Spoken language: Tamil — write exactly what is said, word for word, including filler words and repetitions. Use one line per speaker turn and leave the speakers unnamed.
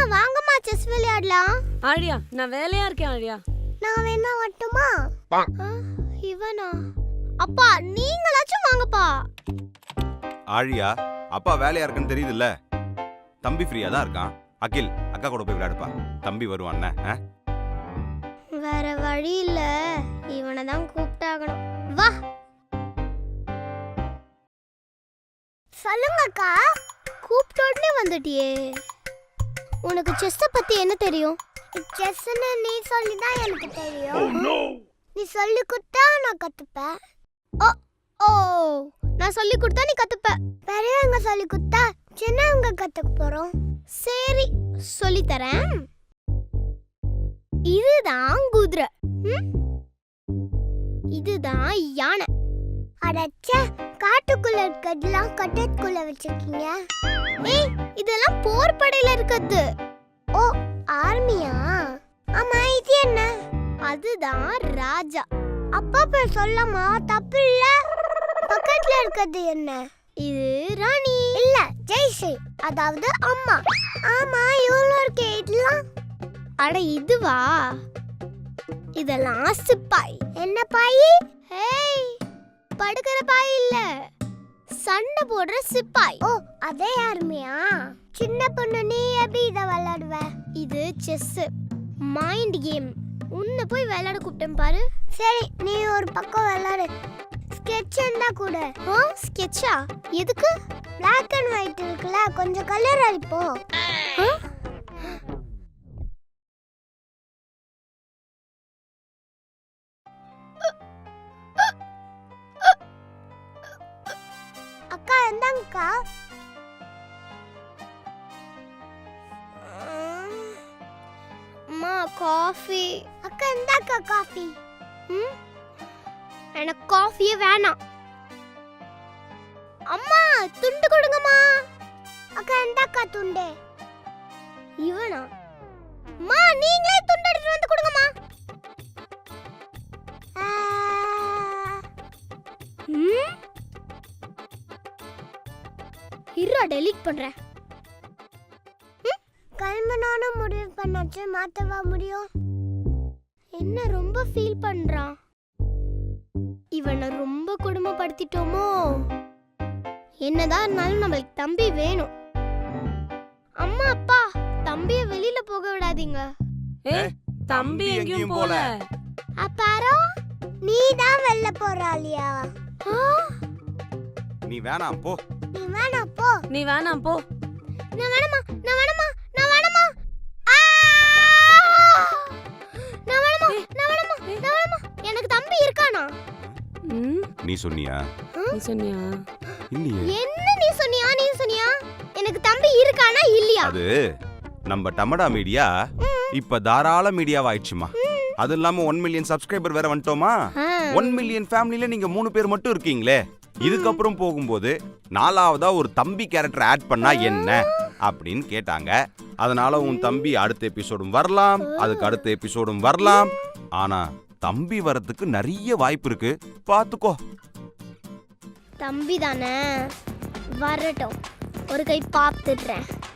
வாங்கம்மா செஸ் விளையாடலாம்.
ஆழியா நான் வேலையா இருக்கேன் ஆழியா.
நான் வேணா வரட்டுமா? இவனா? அப்பா நீங்களாச்சும் வாங்கப்பா.
ஆழியா அப்பா வேலையா இருக்குன்னு தெரியுதுல்ல. தம்பி ஃப்ரீயா தான் இருக்கான். அகில் அக்கா கூட போய் விளையாடுப்பா. தம்பி வருவான்.
வேற வழி இல்ல, இவனை தான் கூப்பிட்டாகணும். வா. சொல்லுங்க அக்கா. கூப்பிட்ட உடனே வந்துட்டியே. உனக்கு செஸ்ஸ பத்தி என்ன தெரியும்? செஸ்ன்னு நீ சொல்லி தான் எனக்கு தெரியும். நீ சொல்லி கொடுத்தா நான் கத்துப்பேன். ஓ ஓ நான் சொல்லி கொடுத்தா நீ கத்துப்ப. பெரியவங்க சொல்லி கொடுத்தா சின்னவங்க கத்துக்க போறோம். சரி சொல்லி தரேன். இதுதான் குதிரை, இதுதான் யானை. அடச்சே, காட்டுக்குள்ள இருக்கதெல்லாம் கட்டத்துக்குள்ள வச்சிருக்கீங்க. ஏய் இதெல்லாம் போர் படையில இருக்குது. ஓ ஆர்மியா? ஆமா இது என்ன? அதுதான் ராஜா. அப்பா பேர் சொல்லமா? தப்பு இல்ல. பக்கத்துல இருக்கிறது என்ன? இது ராணி. இல்ல ஜெய்ஸ்ரீ, அதாவது அம்மா. ஆமா இவ்வளோ இருக்கே இதெல்லாம். அட இதுவா? இதெல்லாம் சிப்பாய். என்ன பாய்? ஏய் படுக்கிற பாய் இல்ல, சண்டை போடுற சிப்பாய். ஓ அதே ஆர்மியா? சின்ன பொண்ணு நீ எப்படி இத விளையாடுவ? இது செஸ் மைண்ட் கேம். உன்னை போய் விளையாட கூப்பிட்டேன் பாரு. சரி நீ ஒரு பக்கம் விளையாடு. ஸ்கெட்ச் இருந்தா கூட. ஓ ஸ்கெட்சா? எதுக்கு? பிளாக் அண்ட் ஒயிட் இருக்குல்ல, கொஞ்சம் கலர் அடிப்போம். அக்கா எந்தாங்கக்கா. அம்மா காஃபி. அக்கா எந்தாக்கா காஃபி. ம் எனக்கு காஃபியே வேணாம். அம்மா துண்டு கொடுங்கம்மா. அக்கா எந்தாக்கா துண்டு. இவனா? அம்மா நீங்களே துண்டு எடுத்து வந்து கொடுங்கம்மா. ம் இருடா டெலீட் பண்றேன். கல்மனான முடிவு பண்ணாச்சு, மாத்தவா முடியும்? என்ன ரொம்ப ஃபீல் பண்றான்? இவனை ரொம்ப கொடுமைப்படுத்திட்டோமோ? என்னதான் இருந்தாலும் நம்மளுக்கு தம்பி வேணும். அம்மா அப்பா தம்பிய வெளியில போக விடாதீங்க.
ஏய் தம்பி எங்கேயும் போல.
அப்பாரோ நீ தான் வெளில போறாளியா?
நீ வேணாம் போ.
நீ வேணாம் போ.
நீ வேணாம் போ.
நான் வேணாமா, நான் வேணாமா, நான் வேணாமா. ஆ! நான் வேணாமா, நான் வேணாமா, நான் வேணாமா. எனக்கு தம்பி இருக்கானா?
ம்
நீ சொன்னியா?
நீ சொன்னியா?
இல்லையே.
என்ன நீ சொன்னியா? நீ சொன்னியா? எனக்கு தம்பி இருக்கானா இல்லையா?
அது நம்ம டமடா மீடியா இப்ப தாராள மீடியாவா ஆயிடுச்சுமா. அது இல்லாம ஒன் மில்லியன் சப்ஸ்கிரைபர் வேற வந்துட்டோமா. ஒன் மில்லியன் ஃபேமிலில நீங்க மூணு பேர் மட்டும் இருக்கீங்களே. இதுக்கப்புறம் போகும்போது நாலாவதா ஒரு தம்பி கேரக்டர் ஆட் பண்ணா என்ன அப்படின்னு கேட்டாங்க. அதனால உன் தம்பி அடுத்த எபிசோடும் வரலாம், அதுக்கு அடுத்த எபிசோடும் வரலாம். ஆனா தம்பி வரதுக்கு நிறைய வாய்ப்பு இருக்கு, பாத்துக்கோ.
தம்பி தானே வரட்டும், ஒரு கை பார்த்துடுறேன்.